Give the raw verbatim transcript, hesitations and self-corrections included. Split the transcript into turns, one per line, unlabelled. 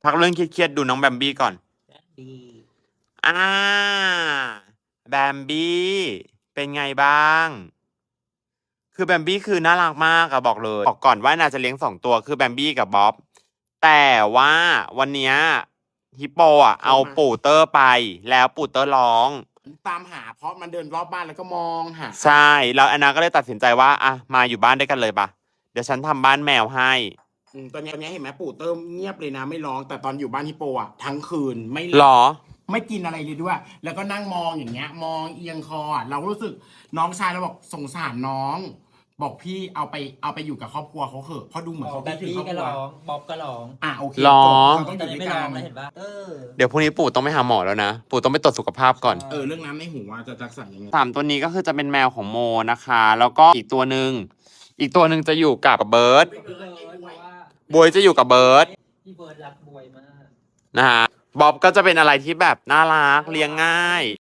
พักเรื่องเครียดๆดูน้องแบมบี้ก่อนอ่าแบมบี้เป็นไงบ้าง คือแบมบี้คือน่ารักมากอะบอกเลยบอกก่อนว่านาจะเลี้ยงสองตัวคือแบมบี้กับบ๊อบแต่ว่าวันเนี้ยฮิปโปอะเอาปู่เตอร์ไปแล้วปู่เตอร์ร้อง
ตามหาเพราะมันเดินรอบบ้านแล้วก็มองหา
ใช่แล้วแอนนาก็เลยตัดสินใจว่าอ่ะมาอยู่บ้านด้วยกันเลยปะเดี๋ยวฉันทำบ้านแมวให้
อืมตอนนี้ตอนนี้เห็นไหมปู่เติมเงียบเลยนะไม่ร้องแต่ตอนอยู่บ้านฮิปโปอ่ะทั้งคืนไม่
หรอ
ไม่กินอะไรเลยด้วย แล้วก็นั่งมองอย่างเงี้ย มองเอียงคออะเราก็รู้สึกน้องชายเราบอกสงสารน้อง บอกพี่เอาไปเอาไปอยู่กับครอบครัวเขาเถอะเพราะดูเหมือนเขา
แบ
คิด
บ
ถึง
พี่
ครอบ
ก็
ครัว
ร้องบ๊อบก็ร้อง
อ่ะโอเค
หรอ
จบเขาต้องอ
ตอน
ยู่
นี้
ด้วย
ไม่
กั
ร้อน งแล้วเห็นปะเออ
เดี๋ยวพรุ่งนี้ปู่ต้องไปหาหมอแล้วนะปู่ต้องไปตรวจสุขภาพก่อน
เออเรื่องน้ำในหูว่าจะรักษายังไง
สามตัวนี้ก็คือจะเป็นแมวของโมนะคะ แล้วก็อีกตัวหนึ่งอีกตัวหนึ่งจะอยู่กับเบิร์ด
พี่เบิร์ดเพราะว่า
บวยจะอยู่กับเบิร์ด
พี่เบิร์ดรักบวยมาก
นะฮะบ๊อบก็จะเป็นอะไรที่แบบน่ารักเลี้ยงง่าย